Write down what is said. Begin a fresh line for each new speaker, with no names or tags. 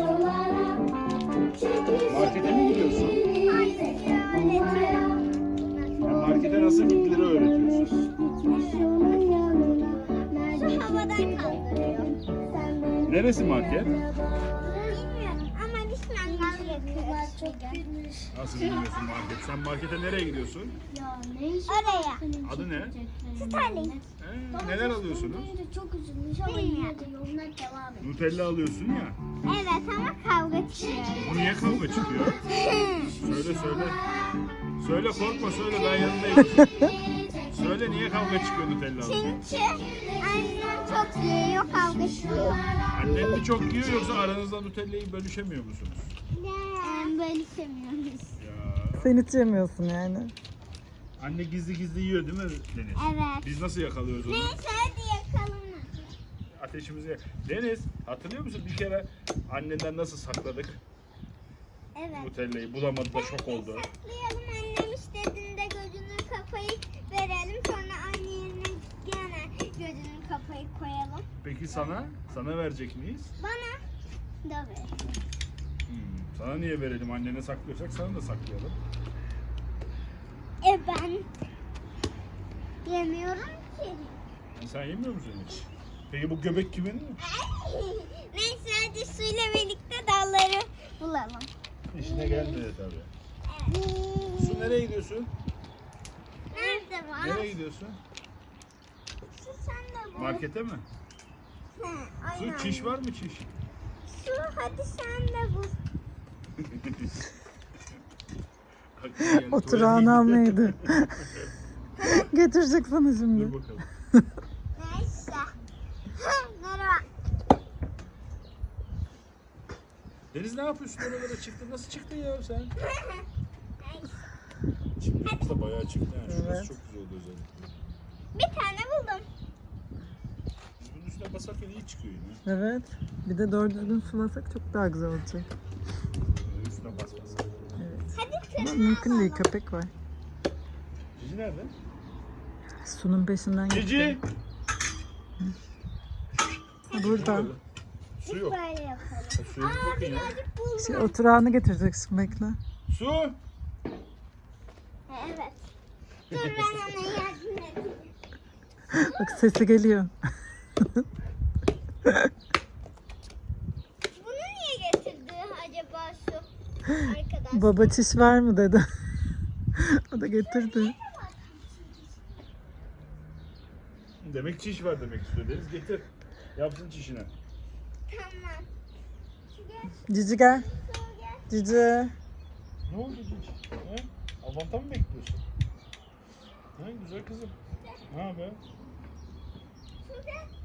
Markete mi gidiyorsun? Markete nasıl gittiğini öğretiyorsun.
Şu havadan kaldırıyor.
Neresi market?
Bilmiyorum ama biz mangal yakıyoruz.
Nasıl bilmiyorsun market? Sen markete nereye gidiyorsun?
Oraya.
Adı ne?
Starling.
Neler alıyorsunuz?
Çok üzülmüş ama yine de yoluna devam et.
Nutella alıyorsun ya.
Evet ama kavga çıkıyor.
Bu niye kavga çıkıyor? Söyle söyle. Söyle korkma söyle ben yanındayım. Söyle niye kavga çıkıyor Nutella alınca?
Çünkü annem çok yiyor, kavga çıkıyor.
Annen mi çok yiyor yoksa aranızda Nutella'yı bölüşemiyor musunuz?
Bölüşemiyoruz.
Ya.
Sen hiç yemiyorsun yani.
Anne gizli gizli yiyor değil mi Deniz?
Evet.
Biz nasıl yakalıyoruz onu?
Neyse hadi yakalım.
Ateşimizi... Deniz hatırlıyor musun bir kere annenden nasıl sakladık
Evet.
Nutella'yı? Bulamadı da şok oldu.
Saklayalım, annem istediğinde gözünü kapayıp verelim. Sonra annenin gene gözünü kapayıp koyalım.
Peki sana verecek miyiz?
Bana da ver.
Sana niye verelim? Annene saklıyorsak sana da saklayalım.
Ben yemiyorum ki.
Sen yemiyor musun hiç? Peki bu göbek kimin?
Neyse hadi suyla birlikte dalları bulalım.
İşine gelmedi tabii. Su nereye gidiyorsun?
Nerede var?
Nereye gidiyorsun?
Su sen de bul.
Markete mi?
He, aynen.
Su çiş var mı çiş?
Su hadi sen de bul.
Oturağını almaydı. Getirecek sana şimdi.
Dur bakalım.
Neyse. Merhaba.
Deniz ne yapıyorsun oralara çıktın? Nasıl çıktın ya sen?
Neyse.
Çimlerimiz de bayağı çıktı yani. Şurası
Evet.
çok güzel oldu özellikle.
Bir tane buldum.
Biz bunun üstüne basarken iyi çıkıyor yine.
Evet. Bir de doğru düzgün sulasak çok daha güzel olacak.
Üstüne basmasak.
Evet.
Hadi
Ama
kırmızı
mümkün değil,
alalım.
köpek var.
Cici nerede?
Su'nun peşinden gitti.
Cici!
Burada.
Su yok.
Böyle yapalım.
Su yok bakın ya.
Birazcık buldum.
Şey, oturağını getirecek şimdi, bekle.
Su!
Evet. Dur ben ona yardım edeyim.
Bak sesi geliyor.
Bunu niye getirdi acaba su? Arkadaş.
Baba çiş var mı dedi. O da getirdi.
Demek çiş var demek istiyor. Deniz getir. Yapsın çişini.
Tamam. Şu gel,
Cici gel.
su gel.
Cici.
Ne oldu Cici? He? Avanta mı bekliyorsun? Ha, güzel kızım. Ne haber?
Su gel.